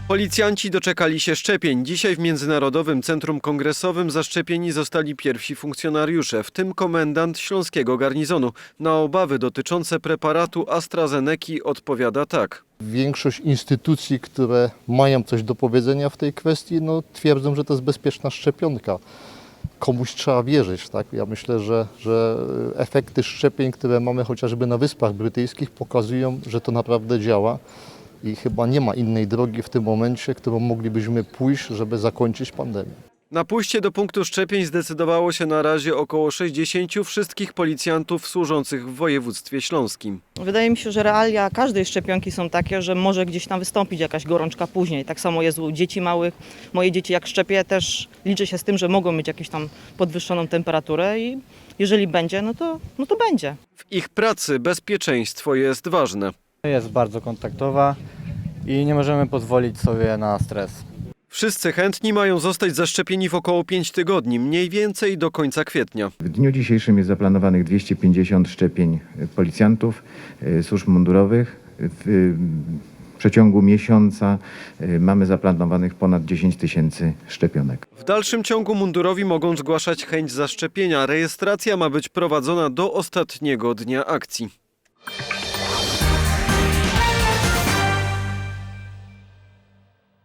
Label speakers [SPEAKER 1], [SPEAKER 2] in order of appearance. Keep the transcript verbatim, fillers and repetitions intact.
[SPEAKER 1] Policjanci doczekali się szczepień. Dzisiaj w Międzynarodowym Centrum Kongresowym zaszczepieni zostali pierwsi funkcjonariusze, w tym komendant śląskiego garnizonu. Na obawy dotyczące preparatu AstraZeneki odpowiada tak.
[SPEAKER 2] Większość instytucji, które mają coś do powiedzenia w tej kwestii, no, twierdzą, że to jest bezpieczna szczepionka. Komuś trzeba wierzyć, tak? Ja myślę, że, że efekty szczepień, które mamy chociażby na Wyspach Brytyjskich, pokazują, że to naprawdę działa. I chyba nie ma innej drogi w tym momencie, którą moglibyśmy pójść, żeby zakończyć pandemię.
[SPEAKER 1] Na pójście do punktu szczepień zdecydowało się na razie około sześćdziesięciu wszystkich policjantów służących w województwie śląskim.
[SPEAKER 3] Wydaje mi się, że realia każdej szczepionki są takie, że może gdzieś tam wystąpić jakaś gorączka później. Tak samo jest u dzieci małych. Moje dzieci jak szczepię też liczę się z tym, że mogą mieć jakąś tam podwyższoną temperaturę i jeżeli będzie, no to, no to będzie.
[SPEAKER 1] W ich pracy bezpieczeństwo jest ważne.
[SPEAKER 4] Jest bardzo kontaktowa i nie możemy pozwolić sobie na stres.
[SPEAKER 1] Wszyscy chętni mają zostać zaszczepieni w około pięć tygodni, mniej więcej do końca kwietnia.
[SPEAKER 5] W dniu dzisiejszym jest zaplanowanych dwieście pięćdziesiąt szczepień policjantów, służb mundurowych. W przeciągu miesiąca mamy zaplanowanych ponad dziesięć tysięcy szczepionek.
[SPEAKER 1] W dalszym ciągu mundurowi mogą zgłaszać chęć zaszczepienia. Rejestracja ma być prowadzona do ostatniego dnia akcji.